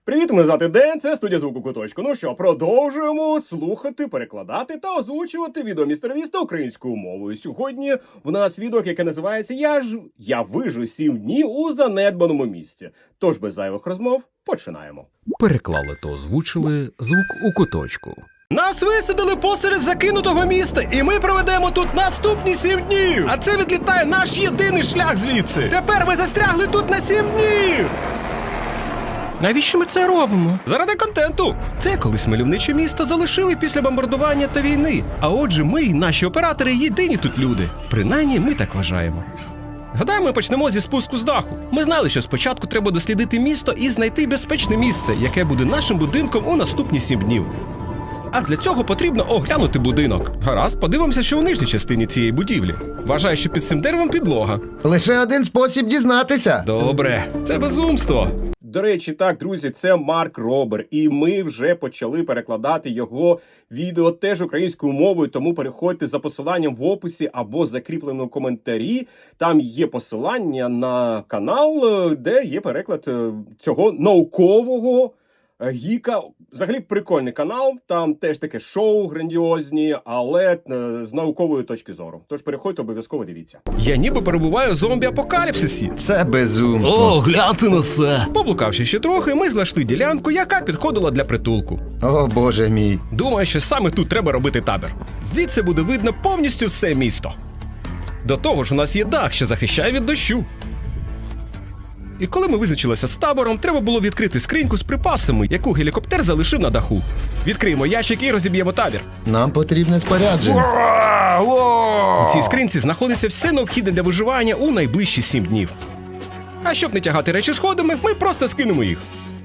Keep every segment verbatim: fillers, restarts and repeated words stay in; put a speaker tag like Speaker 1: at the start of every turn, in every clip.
Speaker 1: Привіт, мене звати Ден, це студія звуку куточку. Ну що, продовжуємо слухати, перекладати та озвучувати відео містера Віста українською мовою. Сьогодні в нас відео, яке називається «Я ж... Я вижу сім днів у занедбаному місті». Тож без зайвих розмов починаємо.
Speaker 2: Переклали та озвучили звук у куточку.
Speaker 3: Нас висадили посеред закинутого міста, і ми проведемо тут наступні сім днів. А це відлітає наш єдиний шлях звідси. Тепер ми застрягли тут на сім днів. Навіщо ми це робимо? Заради контенту. Це колись мальовниче місто залишили після бомбардування та війни. А отже, ми і наші оператори єдині тут люди. Принаймні, ми так вважаємо. Гадаю, ми почнемо зі спуску з даху. Ми знали, що спочатку треба дослідити місто і знайти безпечне місце, яке буде нашим будинком у наступні сім днів. А для цього потрібно оглянути будинок. Гаразд, подивимося, що у нижній частині цієї будівлі. Вважаю, що під цим деревом підлога.
Speaker 4: Лише один спосіб дізнатися.
Speaker 3: Добре, це безумство.
Speaker 1: До речі, так, друзі, це Марк Робер, і ми вже почали перекладати його відео теж українською мовою, тому переходьте за посиланням в описі або закріпленому коментарі. Там є посилання на канал, де є переклад цього наукового гіка. Взагалі прикольний канал, там теж таке шоу грандіозні, але з наукової точки зору. Тож переходьте, обов'язково дивіться.
Speaker 3: Я ніби перебуваю в зомбі-апокаліпсисі.
Speaker 4: Це безумство.
Speaker 3: О, гляньте на це! Поблукавши ще трохи, ми знайшли ділянку, яка підходила для притулку.
Speaker 4: О, боже мій.
Speaker 3: Думаю, що саме тут треба робити табір. Звідси буде видно повністю все місто. До того ж, у нас є дах, що захищає від дощу. І коли ми визначилися з табором, треба було відкрити скриньку з припасами, яку гелікоптер залишив на даху. Відкриємо ящик і розіб'ємо табір.
Speaker 4: Нам потрібне спорядження.
Speaker 3: У цій скринці знаходиться все необхідне для виживання у найближчі сім днів. А щоб не тягати речі сходами, ми просто скинемо їх.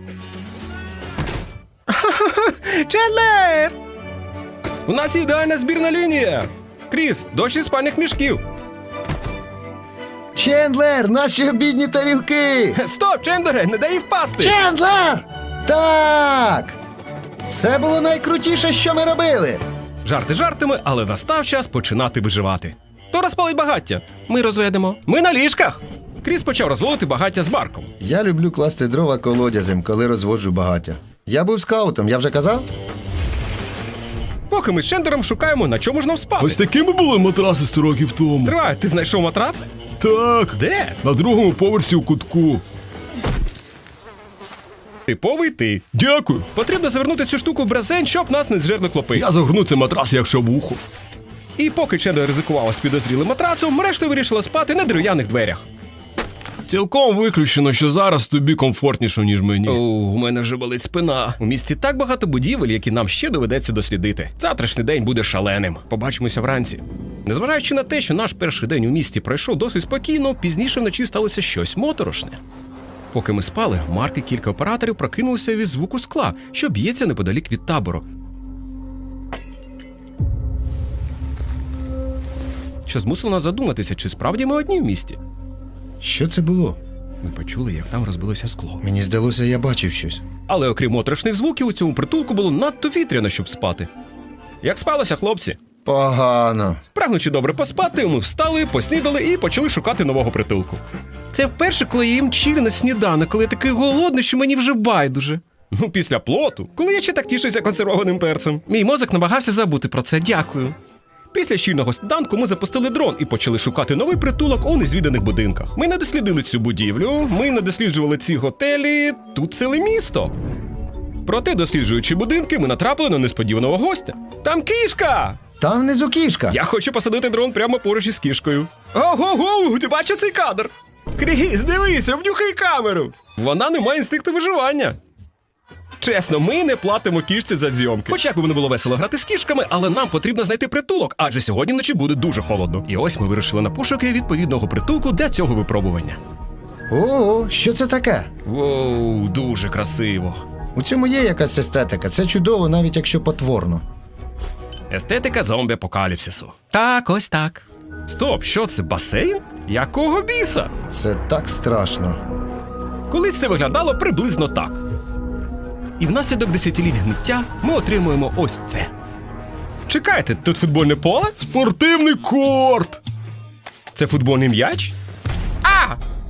Speaker 3: Чендлер! У нас ідеальна збірна лінія! Кріс, дощ із спальних мішків.
Speaker 4: Чендлер, наші обідні тарілки!
Speaker 3: Стоп, Чендлере, не дай їй впасти!
Speaker 4: Чендлер! Так! Це було найкрутіше, що ми робили.
Speaker 3: Жарти жартами, але настав час починати виживати. То розпалить багаття. Ми розведемо. Ми на ліжках! Кріс почав розводити багаття з Марком.
Speaker 4: Я люблю класти дрова колодязем, коли розводжу багаття. Я був скаутом, я вже казав?
Speaker 3: Поки ми з Чендлером шукаємо, на чому ж нам спати.
Speaker 5: Ось такими були матраси сто років тому.
Speaker 3: Тривай, ти знайшов матрац?
Speaker 5: Так.
Speaker 3: Де?
Speaker 5: На другому поверсі у кутку.
Speaker 3: Типовий ти.
Speaker 5: Дякую.
Speaker 3: Потрібно завернути цю штуку в брезент, щоб нас не зжерли клопи.
Speaker 5: Я загорну цей матрас, як шавуху.
Speaker 3: І поки Чендлер ризикував з підозрілим матрацом, решта вирішила спати на дерев'яних дверях.
Speaker 5: Цілком виключено, що зараз тобі комфортніше, ніж мені.
Speaker 3: О, у мене вже болить спина. У місті так багато будівель, які нам ще доведеться дослідити. Завтрашній день буде шаленим. Побачимося вранці. Незважаючи на те, що наш перший день у місті пройшов досить спокійно, пізніше вночі сталося щось моторошне. Поки ми спали, Марк і кілька операторів прокинулися від звуку скла, що б'ється неподалік від табору. Що змусило нас задуматися, чи справді ми одні в місті.
Speaker 4: Що це було?
Speaker 3: Ми почули, як там розбилося скло.
Speaker 4: Мені здалося, я бачив щось.
Speaker 3: Але окрім моторошних звуків, у цьому притулку було надто вітряно, щоб спати. Як спалося, хлопці?
Speaker 4: Погано.
Speaker 3: Прагнучи добре поспати, ми встали, поснідали і почали шукати нового притулку. Це вперше, коли я їм чилі на сніданок, коли я такий голодний, що мені вже байдуже. Ну, після плоту, коли я ще так тішуся консервованим перцем. Мій мозок намагався забути про це, дякую. Після щільного сніданку ми запустили дрон і почали шукати новий притулок у незвіданих будинках. Ми не дослідили цю будівлю, ми не досліджували ці готелі, тут ціле місто. Проте, досліджуючи будинки, ми натрапили на несподіваного гостя. Там кішка!
Speaker 4: Там внизу кішка.
Speaker 3: Я хочу посадити дрон прямо поруч із кішкою. Ого-го, ти бачив цей кадр? Кріс, дивись, обнюхай камеру. Вона не має інстинкту виживання. Чесно, ми не платимо кішці за зйомки. Хоч як би не було весело грати з кішками, але нам потрібно знайти притулок, адже сьогодні вночі буде дуже холодно. І ось ми вирішили на пошуки відповідного притулку для цього випробування.
Speaker 4: Ого, що це таке?
Speaker 3: Воу, дуже красиво.
Speaker 4: У цьому є якась естетика. Це чудово, навіть якщо потворно.
Speaker 3: Естетика зомбі-апокаліпсису. Так, ось так. Стоп, що це, басейн? Якого біса?
Speaker 4: Це так страшно.
Speaker 3: Колись це виглядало приблизно так. І внаслідок десятиліть гниття ми отримуємо ось це. Чекайте, тут футбольне поле?
Speaker 5: Спортивний корт!
Speaker 3: Це футбольний м'яч? А!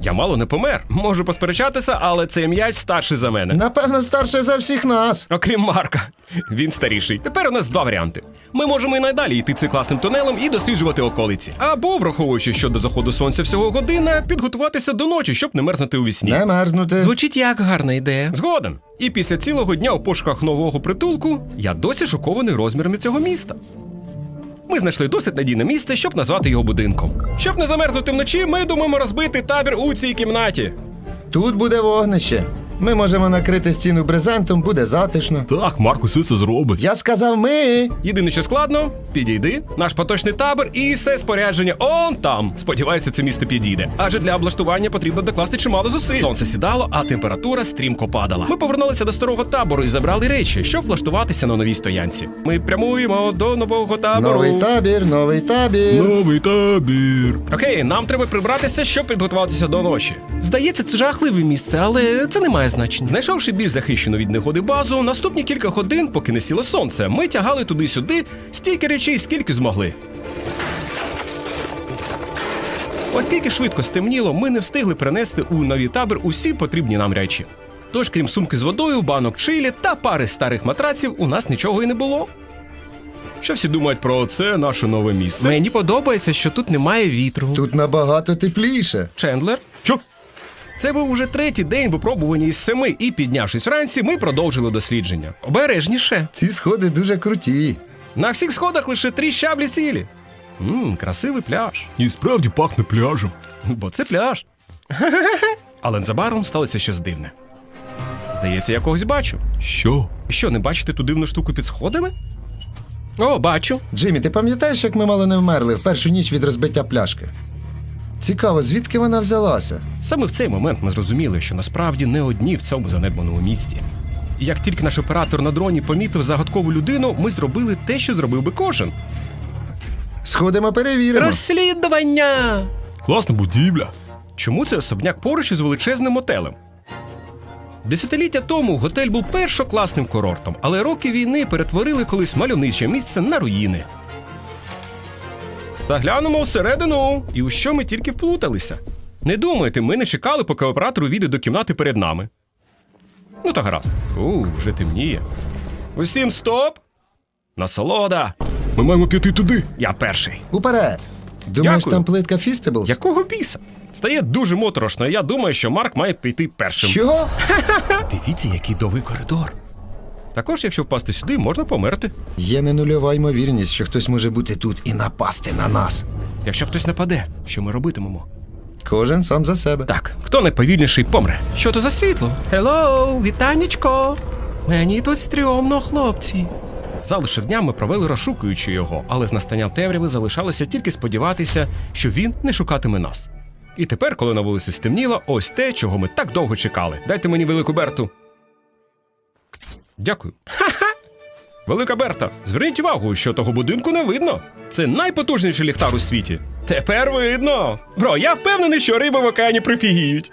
Speaker 1: Я мало не помер. Можу посперечатися, але цей м'яч старший за мене.
Speaker 4: Напевно, старше за всіх нас.
Speaker 1: Окрім Марка. Він старіший. Тепер у нас два варіанти. Ми можемо і надалі йти цим класним тунелем і досліджувати околиці. Або, враховуючи, що до заходу сонця всього година, підготуватися до ночі, щоб не мерзнути у вісні.
Speaker 4: Не мерзнути.
Speaker 1: Звучить як гарна ідея. Згоден. І після цілого дня у пошуках нового притулку я досі шокований розмірами цього міста. Ми знайшли досить надійне місце, щоб назвати його будинком. Щоб не замерзнути вночі, ми думаємо розбити табір у цій кімнаті.
Speaker 4: Тут буде вогнище. Ми можемо накрити стіну брезентом, буде затишно.
Speaker 5: Так, Марк усе це зробить.
Speaker 4: Я сказав ми.
Speaker 1: Єдине, що складно, підійди, наш поточний табір і все спорядження он там. Сподіваюся, це місце підійде. Адже для облаштування потрібно докласти чимало зусиль. Сонце сідало, а температура стрімко падала. Ми повернулися до старого табору і забрали речі, щоб влаштуватися на новій стоянці. Ми прямуємо до нового табору.
Speaker 4: Новий табір, новий табір.
Speaker 5: Новий табір.
Speaker 1: Окей, нам треба прибратися, щоб підготуватися до ночі. Здається, це жахливе місце, але це не має значення. Знайшовши більш захищену від негоди базу, наступні кілька годин, поки не сіло сонце, ми тягали туди-сюди стільки речей, скільки змогли. Оскільки швидко стемніло, ми не встигли принести у новий табір усі потрібні нам речі. Тож, крім сумки з водою, банок чилі та пари старих матраців, у нас нічого і не було. Що всі думають про це наше нове місце? Мені подобається, що тут немає вітру.
Speaker 4: Тут набагато тепліше.
Speaker 1: Чендлер?
Speaker 5: Що?
Speaker 1: Це був уже третій день випробування із семи, і, піднявшись вранці, ми продовжили дослідження. Обережніше.
Speaker 4: Ці сходи дуже круті.
Speaker 1: На всіх сходах лише три щаблі цілі. Ммм, красивий пляж.
Speaker 5: І справді пахне пляжем.
Speaker 1: Бо це пляж. Але незабаром сталося щось дивне. Здається, я когось бачу.
Speaker 5: Що?
Speaker 1: Що, не бачите ту дивну штуку під сходами? О, бачу.
Speaker 4: Джиммі, ти пам'ятаєш, як ми мало не вмерли в першу ніч від розбиття пляшки? Цікаво, звідки вона взялася?
Speaker 1: Саме в цей момент ми зрозуміли, що насправді не одні в цьому занедбаному місті. І як тільки наш оператор на дроні помітив загадкову людину, ми зробили те, що зробив би кожен.
Speaker 4: Сходимо, перевіримо.
Speaker 1: Розслідування!
Speaker 5: Класна будівля.
Speaker 1: Чому це особняк поруч із величезним мотелем? Десятиліття тому готель був першокласним курортом, але роки війни перетворили колись мальовниче місце на руїни. Заглянемо всередину, і у що ми тільки вплуталися. Не думайте, ми не чекали, поки оператор увійде до кімнати перед нами. Ну та гаразд. У, вже темніє. Усім стоп! Насолода!
Speaker 5: Ми маємо піти туди.
Speaker 1: Я перший.
Speaker 4: Уперед. Думаєш,
Speaker 1: Дякую.
Speaker 4: там плитка Фістеблс?
Speaker 1: Якого біса? Стає дуже моторошно, і я думаю, що Марк має піти першим.
Speaker 4: Що?
Speaker 1: Дивіться, який довгий коридор. Також, якщо впасти сюди, можна померти.
Speaker 4: Є не нульова ймовірність, що хтось може бути тут і напасти на нас.
Speaker 1: Якщо хтось нападе, що ми робитимемо?
Speaker 4: Кожен сам за себе.
Speaker 1: Так, хто найповільніший помре. Що то за світло? Хеллоу, вітанечко! Мені тут стрьомно, хлопці. Залишив дня ми провели розшукуючи його, але з настанням темряви залишалося тільки сподіватися, що він не шукатиме нас. І тепер, коли на вулиці стемніло, ось те, чого ми так довго чекали. Дайте мені велику Берту. Дякую. Ха-ха! Велика Берта, зверніть увагу, що того будинку не видно. Це найпотужніший ліхтар у світі. Тепер видно. Бро, я впевнений, що риби в океані прифігіють.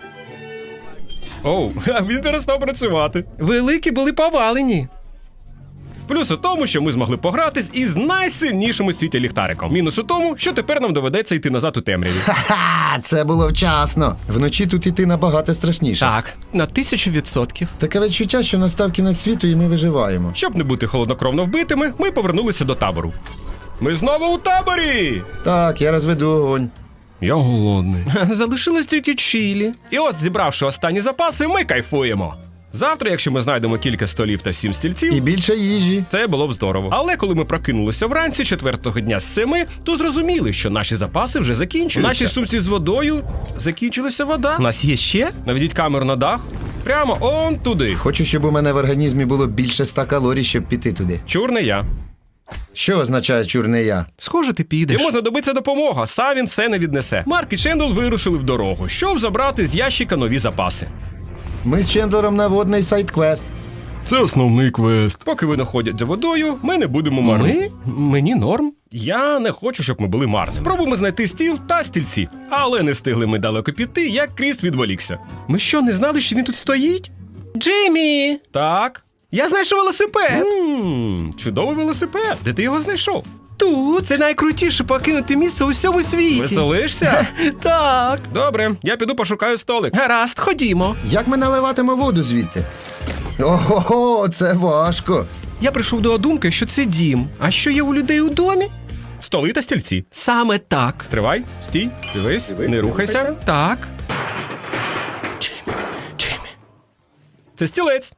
Speaker 1: Оу, а він перестав працювати. Великі були повалені. Плюс у тому, що ми змогли погратись із найсильнішим у світі ліхтариком. Мінус у тому, що тепер нам доведеться йти назад у темряві.
Speaker 4: Ха-ха, це було вчасно. Вночі тут іти набагато страшніше.
Speaker 1: Так, на тисячу відсотків.
Speaker 4: Таке відчуття, що настав кінець світу і ми виживаємо.
Speaker 1: Щоб не бути холоднокровно вбитими, ми повернулися до табору. Ми знову у таборі!
Speaker 4: Так, я розведу огонь.
Speaker 5: Я голодний.
Speaker 1: Залишилось тільки чилі. І ось, зібравши останні запаси, ми кайфуємо. Завтра, якщо ми знайдемо кілька столів та сім стільців,
Speaker 4: І більше їжі.
Speaker 1: це було б здорово. Але коли ми прокинулися вранці четвертого дня з семи, то зрозуміли, що наші запаси вже закінчуються. У нашій сумці з водою закінчилася вода. У нас є ще? Наведіть камеру на дах. Прямо он туди.
Speaker 4: Хочу, щоб у мене в організмі було більше ста калорій, щоб піти туди.
Speaker 1: Чур не я.
Speaker 4: Що означає чурний я?
Speaker 1: Схоже, ти підеш. Йому знадобиться допомога, сам він все не віднесе. Марк і Чендл вирушили в дорогу, щоб забрати з ящика нові запаси.
Speaker 4: Ми з Чендлером на водний сайт-квест.
Speaker 5: Це основний квест.
Speaker 1: Поки вони ходять за водою, ми не будемо марні. Ми? Мені норм. Я не хочу, щоб ми були марні. Спробуємо знайти стіл та стільці. Але не встигли ми далеко піти, як Кріс відволікся. Ми що, не знали, що він тут стоїть? Джиммі! Так? Я знайшов велосипед! Ммм, чудовий велосипед. Де ти його знайшов?
Speaker 3: Тут це найкрутіше покинути місце у всьому світі.
Speaker 5: Веселишся?
Speaker 3: Так.
Speaker 5: Добре, я піду пошукаю столик.
Speaker 3: Гаразд, ходімо.
Speaker 4: Як ми наливатимо воду звідти? Ого, це важко.
Speaker 3: Я прийшов до думки, що це дім. А що є у людей у домі?
Speaker 5: Столи та стільці.
Speaker 3: Саме так.
Speaker 5: Стривай, стій, дивись,
Speaker 1: Дивись,
Speaker 5: не
Speaker 1: не
Speaker 5: рухайся.
Speaker 1: рухайся.
Speaker 3: Так. Джеймі, Джеймі.
Speaker 5: Це стілець.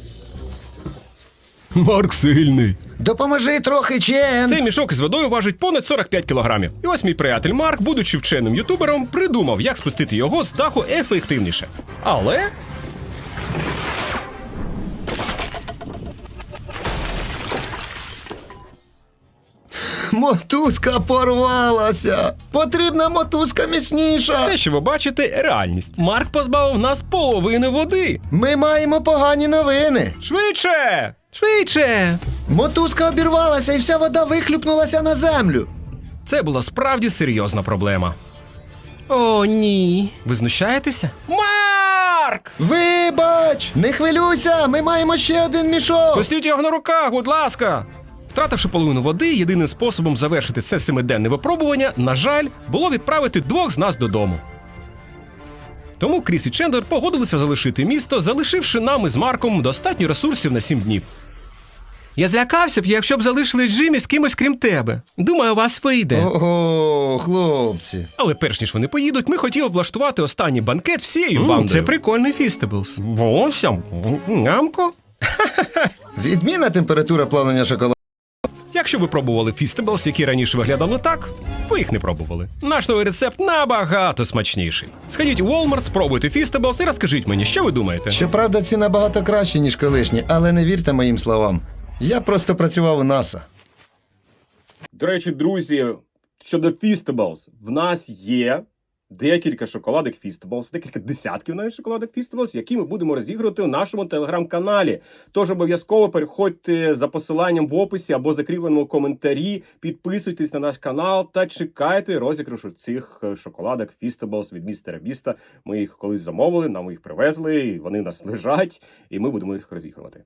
Speaker 5: Марк сильний.
Speaker 4: Допоможи трохи, Чен.
Speaker 5: Цей мішок із водою важить понад сорок п'ять кілограмів. І ось мій приятель Марк, будучи вченим ютубером, придумав, як спустити його з даху ефективніше. Але
Speaker 4: Мотузка порвалася. Потрібна мотузка міцніша.
Speaker 5: те, що ви бачите, реальність. Марк позбавив нас половини води.
Speaker 4: Ми маємо погані новини.
Speaker 5: Швидше!
Speaker 3: Швидше.
Speaker 4: Мотузка обірвалася і вся вода вихлюпнулася на землю.
Speaker 5: Це була справді серйозна проблема.
Speaker 3: О, ні. Ви знущаєтеся?
Speaker 5: Марк!
Speaker 4: Вибач! Не хвилюйся, ми маємо ще один мішок.
Speaker 5: Пустіть його на руках, будь ласка! Втративши половину води, єдиним способом завершити це семиденне випробування, на жаль, було відправити двох з нас додому. Тому Кріс і Чендлер погодилися залишити місто, залишивши нам із Марком достатньо ресурсів на сім днів.
Speaker 3: Я злякався б, якщо б залишили Джиммі з кимось крім тебе. Думаю, у вас вийде.
Speaker 4: Ого, хлопці.
Speaker 5: Але перш ніж вони поїдуть, ми хотіли влаштувати останній банкет всією бандою.
Speaker 3: Це прикольний фістеблс.
Speaker 5: Волосся, нямко.
Speaker 4: Відмінна температура плавлення шоколаду.
Speaker 5: Якщо ви пробували фістеблс, які раніше виглядали так, ви їх не пробували. Наш новий рецепт набагато смачніший. Сходіть у Walmart, спробуйте фістеблс і розкажіть мені, що ви думаєте.
Speaker 4: Щоправда, ці набагато кращі, ніж колишні, але не вірте моїм словам. Я просто працював у НАСА.
Speaker 1: До речі, друзі, щодо Feastables, в нас є декілька шоколадок Feastables, декілька десятків навіть шоколадок Feastables, які ми будемо розігрувати у нашому телеграм-каналі. Тож обов'язково переходьте за посиланням в описі або закріпленому коментарі, підписуйтесь на наш канал та чекайте розіграшу цих шоколадок Feastables від містера Біста. Ми їх колись замовили, нам їх привезли, і вони у нас лежать, і ми будемо їх розігрувати.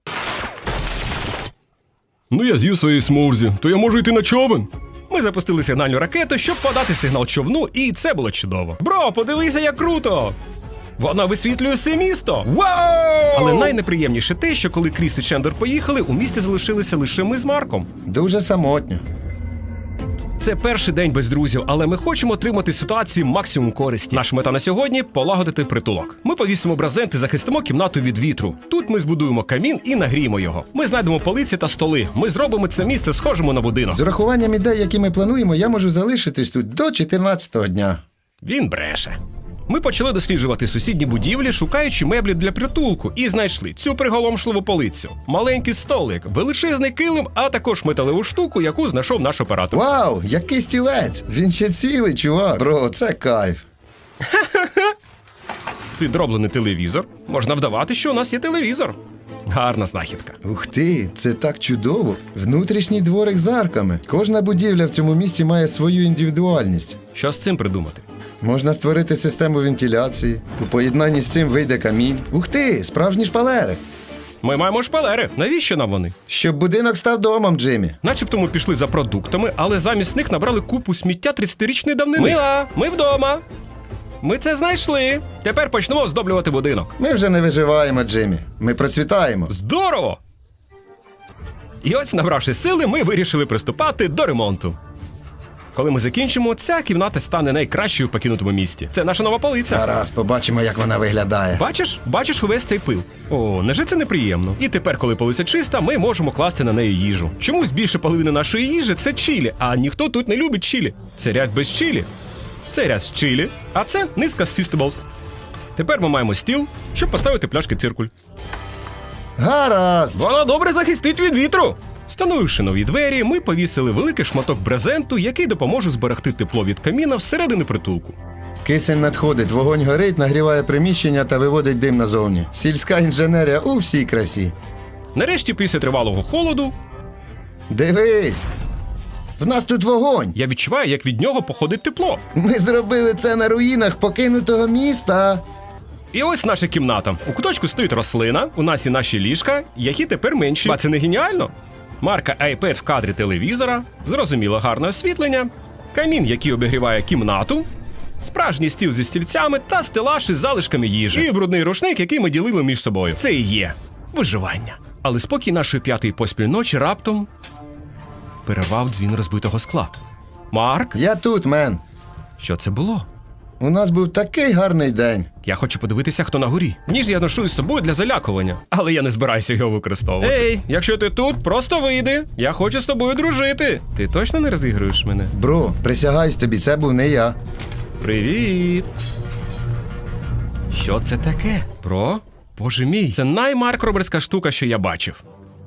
Speaker 5: Ну я з'їв своєї смурзі, то я можу йти на човен. Ми запустили сигнальну ракету, щоб подати сигнал човну, і це було чудово. Бро, подивися, як круто! Вона висвітлює все місто! Вау! Але найнеприємніше те, що коли Кріс і Чендлер поїхали, у місті залишилися лише ми з Марком.
Speaker 4: Дуже самотньо.
Speaker 5: Це перший день без друзів, але ми хочемо отримати з ситуації максимум користі. Наша мета на сьогодні – полагодити притулок. Ми повісимо брезент і захистимо кімнату від вітру. Тут ми збудуємо камін і нагріємо його. Ми знайдемо полиці та столи. Ми зробимо це місце схожим на будинок.
Speaker 4: З урахуванням ідей, які ми плануємо, я можу залишитись тут до чотирнадцятого дня.
Speaker 5: Він бреше. Ми почали досліджувати сусідні будівлі, шукаючи меблі для притулку, і знайшли цю приголомшливу полицю, маленький столик, величезний килим, а також металеву штуку, яку знайшов наш оператор.
Speaker 4: Вау, який стілець! Він ще цілий, чувак. Бро, це кайф.
Speaker 5: Підроблений телевізор. Можна вдавати, що у нас є телевізор. Гарна знахідка.
Speaker 4: Ух ти, це так чудово. Внутрішній дворик з арками. Кожна будівля в цьому місті має свою індивідуальність.
Speaker 5: Що з цим придумати?
Speaker 4: Можна створити систему вентиляції. У поєднанні з цим вийде камін. Ух ти, справжні шпалери.
Speaker 5: Ми маємо шпалери. Навіщо нам вони?
Speaker 4: Щоб будинок став домом, Джиммі.
Speaker 5: Начебто ми пішли за продуктами, але замість них набрали купу сміття тридцятирічної давнини. Мила, ми вдома. Ми це знайшли. Тепер почнемо оздоблювати будинок.
Speaker 4: Ми вже не виживаємо, Джиммі. Ми процвітаємо.
Speaker 5: Здорово! І ось, набравши сили, ми вирішили приступати до ремонту. Коли ми закінчимо, ця кімната стане найкращою в покинутому місті. Це наша нова полиця.
Speaker 4: Зараз побачимо, як вона виглядає.
Speaker 5: Бачиш? Бачиш увесь цей пил? О, неже це неприємно. І тепер, коли полиця чиста, ми можемо класти на неї їжу. Чомусь більше половини нашої їжі – це чилі, а ніхто тут не любить чилі. Це ряд без чилі. Це ряд з чилі, а це низка з Feastables. Тепер ми маємо стіл, щоб поставити пляшки циркуль.
Speaker 4: Гаразд.
Speaker 5: Вона добре захистить від вітру. Встановивши нові двері, ми повісили великий шматок брезенту, який допоможе зберегти тепло від каміна всередині притулку.
Speaker 4: Кисень надходить, вогонь горить, нагріває приміщення та виводить дим назовні. Сільська інженерія у всій красі.
Speaker 5: Нарешті, після тривалого холоду,
Speaker 4: Дивись! В нас тут вогонь!
Speaker 5: я відчуваю, як від нього походить тепло.
Speaker 4: Ми зробили це на руїнах покинутого міста.
Speaker 5: І ось наша кімната. У куточку стоїть рослина, у нас і наші ліжка, які тепер менші. А це не геніально? марка iPad в кадрі телевізора, зрозуміло гарне освітлення, камін, який обігріває кімнату, справжній стіл зі стільцями та стелаж із залишками їжі. І брудний рушник, який ми ділили між собою. Це і є виживання. Але спокій нашої п'ятої поспіль ночі раптом перервав дзвін розбитого скла. Марк?
Speaker 4: Я тут, мен.
Speaker 5: Що це було?
Speaker 4: У нас був такий гарний день.
Speaker 5: Я хочу подивитися, хто на горі. Ніж я ношу із собою для залякування, але я не збираюся його використовувати. Ей, якщо ти тут, просто вийди. Я хочу з тобою дружити. Ти точно не розігруєш мене?
Speaker 4: Бро, присягаюсь тобі, це був не я.
Speaker 5: Привіт. Що це таке? Бро? Боже мій, це наймаркроберська штука, що я бачив.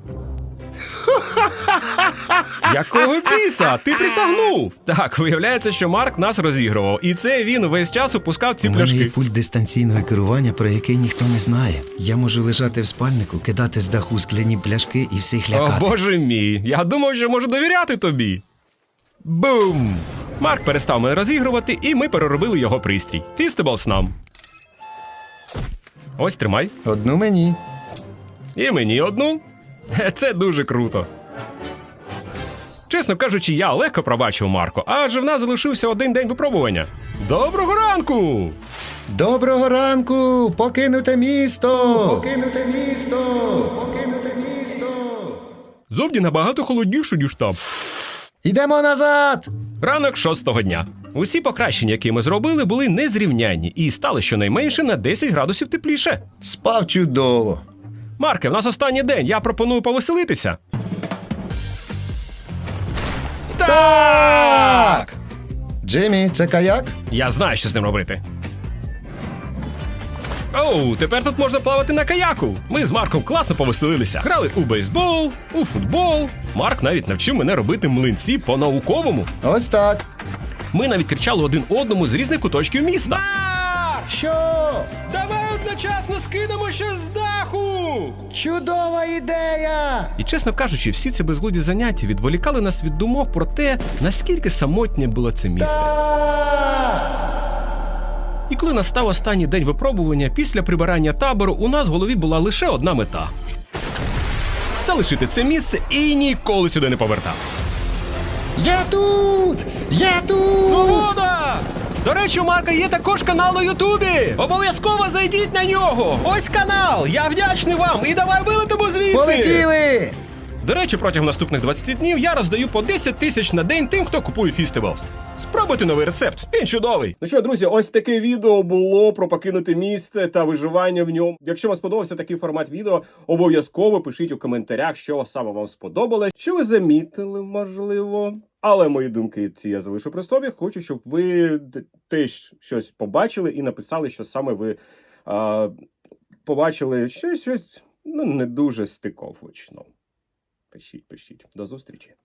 Speaker 5: Якого біса? Ти присягнув! Так, виявляється, що Марк нас розігрував. І це він весь час опускав ці
Speaker 4: У мене є
Speaker 5: пляшки.
Speaker 4: пульт дистанційного керування, про який ніхто не знає. Я можу лежати в спальнику, кидати з даху скляні пляшки і всіх
Speaker 5: О,
Speaker 4: лякати.
Speaker 5: боже мій, я думав, що можу довіряти тобі. Бум! Марк перестав мене розігрувати, і ми переробили його пристрій. Фістеблс нам. Ось, тримай.
Speaker 4: Одну мені.
Speaker 5: І мені одну. Хе, це дуже круто. Чесно кажучи, я легко пробачив Марко, адже в нас залишився один день випробування. Доброго ранку!
Speaker 4: Доброго ранку! Покинуте місто! Покинуте місто! Покинуте місто!
Speaker 5: Зовні набагато холодніше, ніж там.
Speaker 4: Йдемо назад!
Speaker 5: Ранок шостого дня. Усі покращення, які ми зробили, були незрівнянні і стали щонайменше на десять градусів тепліше.
Speaker 4: Спав чудово.
Speaker 5: Марке, в нас останній день, я пропоную повеселитися. Так!
Speaker 4: Джиммі, це каяк?
Speaker 5: Я знаю, що з ним робити. Оу, тепер тут можна плавати на каяку. Ми з Марком класно повеселилися. Грали у бейсбол, у футбол. Марк навіть навчив мене робити млинці по-науковому.
Speaker 4: Ось так.
Speaker 5: Ми навіть кричали один одному з різних куточків міста.
Speaker 4: Що?
Speaker 5: Давай одночасно скинемо щось з даху!
Speaker 4: Чудова ідея!
Speaker 5: І, чесно кажучи, всі ці безглуді заняття відволікали нас від думок про те, наскільки самотнє було це місто. І коли настав останній день випробування, після прибирання табору у нас в голові була лише одна мета – залишити це місце і ніколи сюди не повертатись.
Speaker 4: Я тут! Я тут!
Speaker 5: Свобода! До речі, у Марка є також канал на Ютубі! Обов'язково зайдіть на нього! Ось канал! Я вдячний вам! І давай вилетимо звідси!
Speaker 4: Полетіли!
Speaker 5: До речі, протягом наступних двадцяти днів я роздаю по десять тисяч на день тим, хто купує Фістеблс. Спробуйте новий рецепт, він чудовий.
Speaker 1: Ну що, друзі, ось таке відео було про покинуте місце та виживання в ньому. Якщо вам сподобався такий формат відео, обов'язково пишіть у коментарях, що саме вам сподобалось, що ви замітили, можливо. Але мої думки ці я залишу при собі. Хочу, щоб ви теж щось побачили і написали, що саме ви а, побачили щось, щось ну, не дуже стиковочно. Пишіть, пишіть. До зустрічі.